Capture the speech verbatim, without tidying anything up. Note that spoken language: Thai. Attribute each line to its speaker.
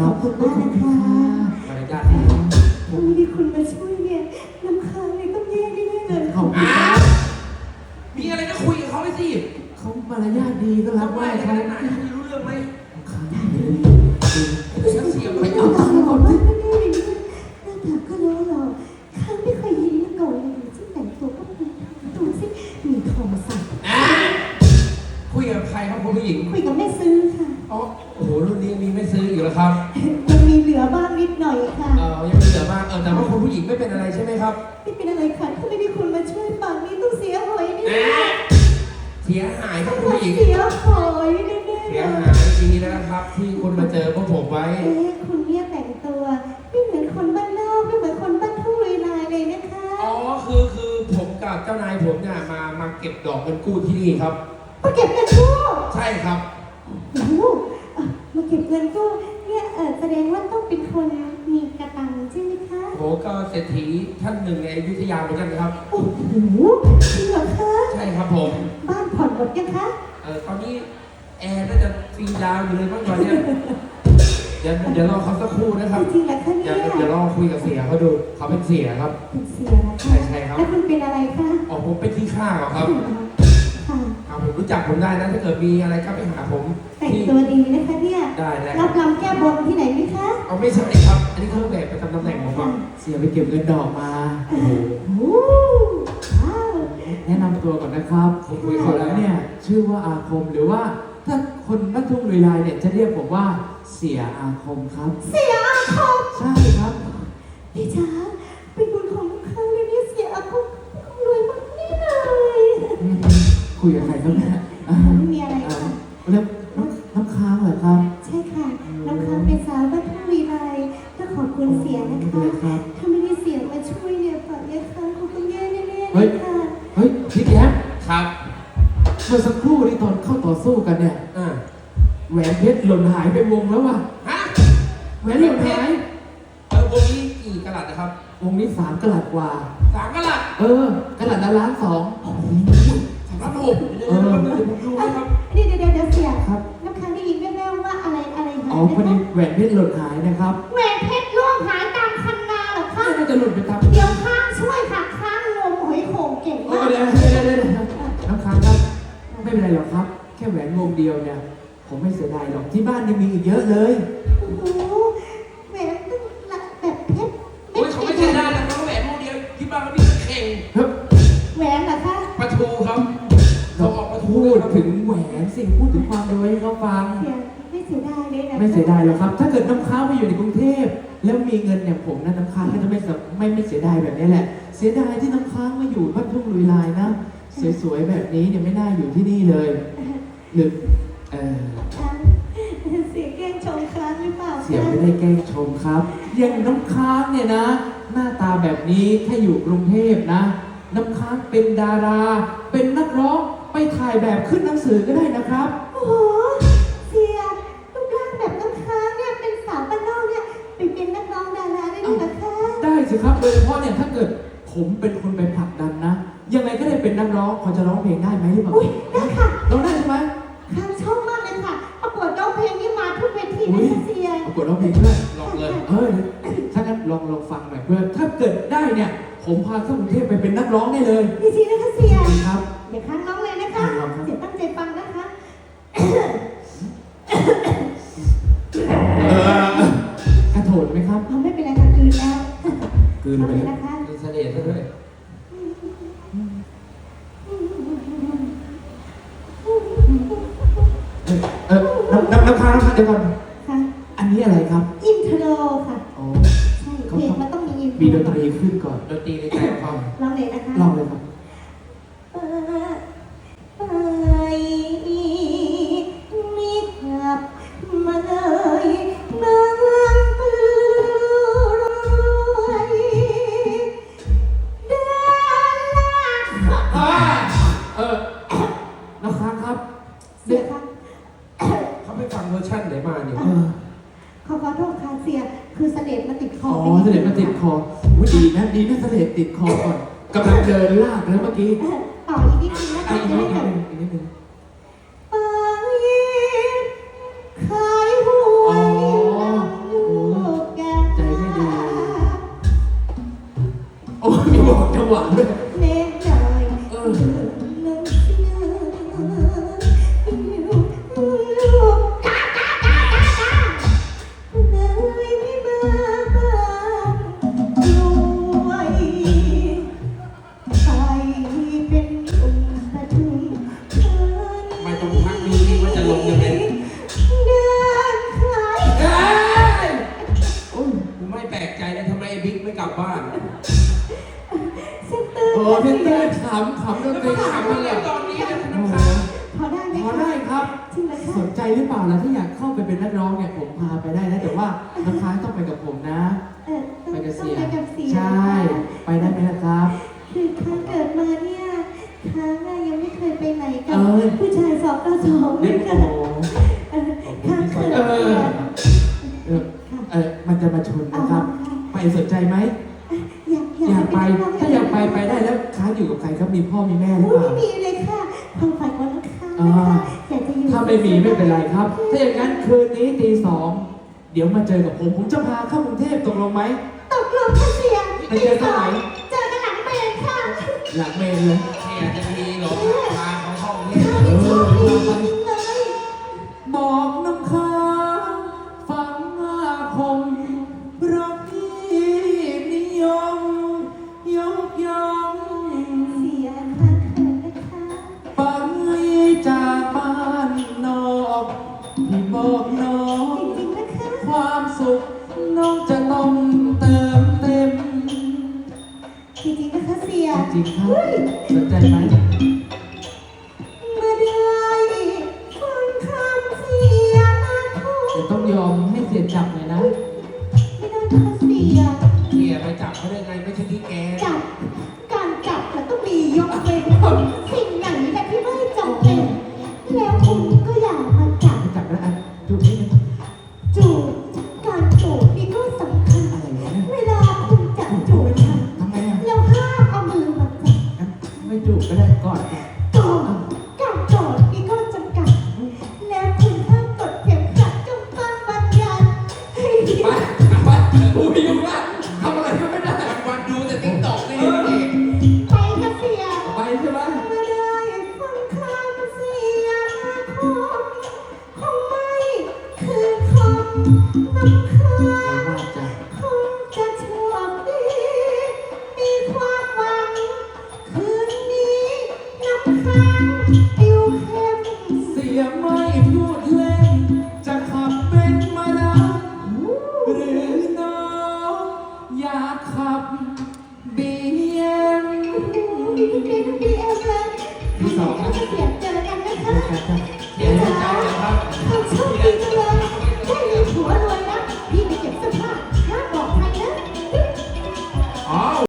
Speaker 1: ขอบคุณมากนะคะ
Speaker 2: มารยาทดี
Speaker 1: ถ้าไม่ได้คุณมาช่วยเนี่ยน้ำค้างเลยต้องแย่แน่ๆเลย
Speaker 2: ขอบคุณครับมีอะไรก็คุยกับเขาไปสิเขามารยาทดีก็รับไหว้เขาไหนคุยรู้เรื่องไหมข้างเลยฉันเสียไปเอาตังค์ก่อนสิ
Speaker 1: หน้าตาก็รู้หรอกค้างไม่เคยเห็นมาก่อนเลยที่แต่งตัวก็มีตัวสิมีทองใส่
Speaker 2: คุยกับใครครับคุณผู้หญิง
Speaker 1: คุยกับแม่ซื้อค่ะ
Speaker 2: อ๋อโอ้โหรุ่นนี้มีไม่ซื้ออยู่แล้วครับ
Speaker 1: ยังมีเหลือบ้างนิดหน่อยค่ะ
Speaker 2: เออยังมีเหลือบ้างเออแต่ว่าคุณผู้หญิงไม่เป็นอะไรใช่ไหมครับ
Speaker 1: ไม่เป็นอะไรค่ะถ้าไม่ได้คุณมาช่วยป่านนี้ต้องเสียหายนี่
Speaker 2: เสียหายครับคุณผู้หญิง
Speaker 1: เสียหายแน่ๆ
Speaker 2: เสียหายดีนะครับที่คุณมาเจอพวกผมไว้
Speaker 1: เอ๊ะคุณเนี่ยแต่งตัวไม่เหมือนคนบ้านนอกไม่เหมือนคนบ้านทุ่งลุยลายเลยนะคะ
Speaker 2: อ๋อคือคือผมกับเจ้านายผมเนี่ยมามาเก็บดอกเงินกู้ที่นี่ครับ
Speaker 1: มาเก็บเงินกู้
Speaker 2: ใช่ครับ
Speaker 1: โอ้โหมาเก็บเงินกู้เนี่ยเออแสดงว่าต้องเป็นคนมีกระตังใช่ไหมคะ
Speaker 2: โหก็เศรษฐีท่านหนึ่งในอยุธยาเหมือนกันครับ
Speaker 1: โอ้โหจริงเหรอคะ
Speaker 2: ใช่ครับผม
Speaker 1: บ้านผ่อนหมดยังคะ
Speaker 2: เออตอนนี้แอร์น่าจะฟรีดาวอยู่เลยบ้างตอนนี้เดี๋ยวเดี๋ยวรอเขาสักครู่นะครับ
Speaker 1: จริงเหรอคะเนี่ย
Speaker 2: เดี๋ยวรอคุยกับเสียเขาดูเขาเป็นเสียครับ
Speaker 1: เป็นเสียนะ
Speaker 2: ใช่ใช่ครับ
Speaker 1: แล้วคุณเป็นอะไรคะ
Speaker 2: อ๋อผมเป็นที่ข้าครับครับผมรู้จักผมได้นะถ้าเกิดมีอะไรก็ไปหาผม
Speaker 1: แต่งตัวดีนะคะเนี่ย
Speaker 2: ได้ได้
Speaker 1: รับรำแก้บนที่ไหนไหมคะ
Speaker 2: เอาไม่ใช่ครับอันนี้เครื่องแบบประจำตำแหน่งผมครับเสียไปเก็บเงินดอกมาโอ้โห
Speaker 3: แนะนำตัวก่อนนะครับผมคุยเขาแล้วเนี่ยชื่อว่าอาคมหรือว่าถ้าคนบ้านทุ่งลุยลายเนี่ยจะเรียกผมว่าเสียอาคมครับ
Speaker 1: เสียอาคม
Speaker 3: ใช่ครับ
Speaker 1: พี่จ๋าเป็นบุญของลูกค้าเลยเนี่ยเสียอาคมรวยมากนี่เลย
Speaker 3: คุยกับใครครับเนี่ย
Speaker 1: ไม่มีอะไรค่ะ
Speaker 3: แล้วน้ำค้างเหรอครับ
Speaker 1: ใช่ค่ะน้ำค้างเป็นสาวบ้านทุ่งลุยลายก็ขอบคุณเสียนะคะถ้าไม่ได้เสียมาช่วยเนี่ยป่านนี้ค้างคงต้องแย่แน่ๆเลยค่ะ
Speaker 3: เฮ้ยพี่แก๊ป
Speaker 2: ครับ
Speaker 3: เมื่อสักครู่ที่ตอนเข้าต่อสู้กันเนี่ยแหวนเพชรหล่นหายไปวงแล้วว่ะ
Speaker 2: ฮะ
Speaker 3: แหวนหล่นหาย
Speaker 2: เออวงนี้กี่กะลัดนะครับ
Speaker 3: วงนี้สามกะลัดกว่า
Speaker 2: สามกะลัด
Speaker 3: เออกะลัดละล้านสอง
Speaker 2: สามล้านหกเออผมดูนะครับ
Speaker 1: เดี๋ยวเดี๋ยวเดี๋ยวเสียครับน้ำค้างได้ยินแว่วๆว่าอะไรอะไรหาย
Speaker 3: อ๋อพอดีแหวนเพชรหล่นหายนะครับ
Speaker 1: แหวนเพชรล่วงหายตามคันนาเหรอคะ
Speaker 3: น่าจะหล่นไปตาม
Speaker 1: เดี๋ยวค้างช่วยค่ะค้างงมหอยโข่งเก่งมาก
Speaker 3: เดี๋ยวเดี๋ยวเดี๋ยวน้ำค้างครับไม่เป็นไรหรอกครับแค่แหวนวงเดียวเนี่ยผมไม่เสียดายหรอกที่บ้านยังมีอีกเยอะเลย
Speaker 1: โอ้โหแหวนตึ้งแบบเพชร
Speaker 2: โอ้ยเขาไม่เสียดายนะครับแหวนวงเดียวที่บ้านเขามีเข่ง
Speaker 1: แหวนเหรอคะ
Speaker 2: ปลาทูครับเราออกปลาทู
Speaker 3: พูดถึงแหวนสิ่งพูดถึงความรวยให้เขาฟัง
Speaker 1: ไม่เสียดายเลยนะ
Speaker 3: ไม่เสียดายหรอกครับถ้าเกิดน้ำค้างไปอยู่ในกรุงเทพแล้วมีเงินอย่างผมนะน้ำค้างก็จะไม่ไม่ไม่เสียดายแบบนี้แหละเสียดายที่น้ำค้างมาอยู่บ้านทุ่งลุยลายนะสวยๆแบบนี้เนี่ยไม่น่าอยู่ที่นี่เลยหรือเออ
Speaker 1: เสียแกล้งชมค้างหรือเปล่า
Speaker 3: เสียไม่ได้แกล้งชมครับอย่างน้ำค้างเนี่ยนะหน้าตาแบบนี้ถ้าอยู่กรุงเทพนะน้ำค้างเป็นดาราเป็นนักร้องไปถ่ายแบบขึ้นหนังสือก็ได้นะครับ
Speaker 1: โอ้โหเสียรูปร่างแบบน้ำค้างเนี่ยเป็นสาวบ้านนอกเนี่ยไปเป็นนักร้องดาราได้ด้วยนะคะ
Speaker 3: ได้สิครับโดยเฉพาะเนี่ยถ้าเกิดผมเป็นคนไปผลักดันนะยังไงก็ได้เป็นนักร้องพอจะร้องเพลงได้ไหมหรือเปล่า
Speaker 1: ได้ค่ะ
Speaker 3: ร้องได้ใช่ไหม
Speaker 1: ค้างชอบมากเลยค่ะประกวดร้องเพลงนี้มาทุกเวทีเลยค่ะเสีย
Speaker 3: ประกวดร้องเพลงด้วย
Speaker 2: ลองเลย
Speaker 3: เออถ้างั้นลองลองฟังหน่อยเพื่อถ้าเกิดได้เนี่ยผมพาเข้ากรุงเทพไปเป็นนักร้องได้เลย
Speaker 1: จริงๆนะคะเสีย
Speaker 3: ครับ
Speaker 1: เดี๋ยวค้างร้องเลยนะคะเสียตั้งใจฟังนะคะ
Speaker 3: กระโถนไหมครับ
Speaker 1: ไม่เป็นไรค่ะคืนแล้ว
Speaker 3: คืนไป
Speaker 1: นะคะ
Speaker 2: มีเสน่ห์ซะด้วย
Speaker 3: เออน้ำน้ำน้ำค้างน้ำค้างเดี๋ยวก่อนอันนี้อะไรครับ
Speaker 1: อินโทรค่ะ
Speaker 3: อ๋อ
Speaker 1: ใช่เพลงมันต้องมีอินโทร
Speaker 3: มีดนตรีขึ้นก่อน
Speaker 2: ดนตรีในใจความ
Speaker 1: ลองเลยนะคะ
Speaker 3: ลองเลยครับ
Speaker 1: ไปไม่กลับมาเลยเมืองปืนรวยเดินลาก
Speaker 3: เออน้ำค้างครับ
Speaker 1: เสียค่ะ
Speaker 2: เขาไปฟังเวอร์ชันไหนมาเนี่ย
Speaker 1: ขอขอโทษค่ะเสียคือเสด็จมาติดคอ
Speaker 3: อ๋อเสด็จมาติดคอวุ้ดีนะดีนะเสด็จติดคอก่อนกำลังเดินลากแล้วเมื่อกี้
Speaker 1: ต่ออีกนิดนึงนะคะจะได้จบ
Speaker 3: อีกนิดนึง
Speaker 1: ไปขายหวย
Speaker 3: ำขำดน
Speaker 2: แล้ว
Speaker 3: ตรี
Speaker 2: มาถาม
Speaker 3: ขำ
Speaker 2: ว่า
Speaker 3: เล
Speaker 2: เรื่
Speaker 3: ย
Speaker 2: องตอนนี้เนี่ยคุณ
Speaker 3: โอ้
Speaker 2: น้ำ
Speaker 3: โห
Speaker 2: ค้าง
Speaker 1: พอได้ไหม
Speaker 3: พอ
Speaker 1: คะ
Speaker 3: ได้ครับ
Speaker 1: จริงเหรอคะ
Speaker 3: สนใจหรือเปล่าล่ะถ้าอยากเข้าไปเป็นนักร้องเนี่ยผมพาไปได้นะแต่ว่าน้ำค้างต้องไปกับผมนะ
Speaker 1: เออต้อง
Speaker 3: ไปกับ
Speaker 1: ต้อง
Speaker 3: เสีย
Speaker 1: ไปกับเสีย
Speaker 3: ใช่ ไปได้ไหมล่ะครับ
Speaker 1: คือค้างเกิดมาเนี่ยค้างอะยังไม่เคยไปไหนกั
Speaker 3: เอบ อ
Speaker 1: ผู้ชายสอบต่อสองเล
Speaker 3: เด็
Speaker 1: ย
Speaker 3: ก
Speaker 1: ค่ะ
Speaker 3: โอ้โห
Speaker 1: เออค้างเกิด
Speaker 3: เออ เออเออมันจะมาชนนะครับ ไปสนใจไหม
Speaker 1: อยาก
Speaker 3: อยากไป
Speaker 1: เป็นนัร้ง
Speaker 3: ถ้าอยากไปไปได้แล้วค้างอยู่กับใครครับมีพ่อมีแม่หรือ
Speaker 1: โอ้
Speaker 3: เป
Speaker 1: ย
Speaker 3: ล่า
Speaker 1: ไม่มีเลยค่ะความฝันของน้องค้าง
Speaker 3: อ่า
Speaker 1: นะคะอยากจะอยู่
Speaker 3: ถ้าไม่มีไม่เป็นไรครับ ถ้าอย่างนั้นคืนนี้ตีสองเดี๋ยวมาเจอกับผม ผมจะพาเข้ากรุงเทพตกลงไหม
Speaker 1: ตกลงค่ะเสีย
Speaker 3: ไปเจอกันไหน
Speaker 1: เจอกันหลังเมนค่ะ
Speaker 3: หลังเมนเลย
Speaker 2: เสียจะดีเหรอพาเขาเข้าเทพ
Speaker 1: ข้าวที่ชอบดีจริงเลย
Speaker 3: บอกน้ำค้างฟังอาคมรักที่นิยมยกย่อง
Speaker 1: เสียค่ะเขินนะคะ
Speaker 3: ไปจากบ้านนอกที่บอกน้อง
Speaker 1: จริงๆนะคะ
Speaker 3: ความสุขน้องจะต้องเติมเต็ม
Speaker 1: จริงๆนะคะเสีย
Speaker 3: จริงครับ
Speaker 1: เฮ้ย
Speaker 3: สนใจไหม
Speaker 1: เมื่อได้ฟังคำเสียมาทุ
Speaker 3: เดี๋ยว
Speaker 1: ก
Speaker 3: ต้องยอมให้เสียจับหน่อยนะ
Speaker 1: ไม่ได้นะคะเสีย
Speaker 2: เสียไปจับเขาได้ไงไม่ใช่ที่แก
Speaker 1: จับการจับมันต้องมียกเว้นสิ่งไหนแต่ที่ไม่จำเป็น แล้วคุณก็อย่ามาจับ
Speaker 3: จับแล้วอ่ะดูนิดนึง
Speaker 1: จูบการจูบนี่ก็สำคัญ
Speaker 3: อะไรวะเนี่ย
Speaker 1: เวลาคุณจับจูบกัน
Speaker 3: ทำไมอ่ะ
Speaker 1: แล้วห้ามเอามือมาจับ
Speaker 3: งั้นไม่จูบก็ได้ก่อนค่ะ
Speaker 1: ก่อนการกอดนี่ก็จำกัด แล้วคุณห้ามกดเข็มขัดจงฟังบัญญัติให้ดี
Speaker 2: ไปไปกูไม่ยุ่งละทำอะไรก็ไม่ได้วันๆดูแต่ติ๊กต็อกนี่เอง
Speaker 1: ไปค่ะเสีย
Speaker 3: ไปใช่ไหม
Speaker 1: เมื่อได้ฟังคำเสียงคงคงไม่คือคำน้ำค้าง
Speaker 3: ว่าจะ
Speaker 1: คงจะโชคดีมีความหวัง คืนนี้น้ำค้างติวเข้ม
Speaker 3: เสียไม่พูดเล่น จะขับเป็นมานะหรือน้องอยากขับบีเอ็ม
Speaker 1: ดีดีดีเอ็มเลย
Speaker 3: ที่สองนะ
Speaker 1: เสียงเจอกันนะคะ
Speaker 3: เจอกันจ้ะ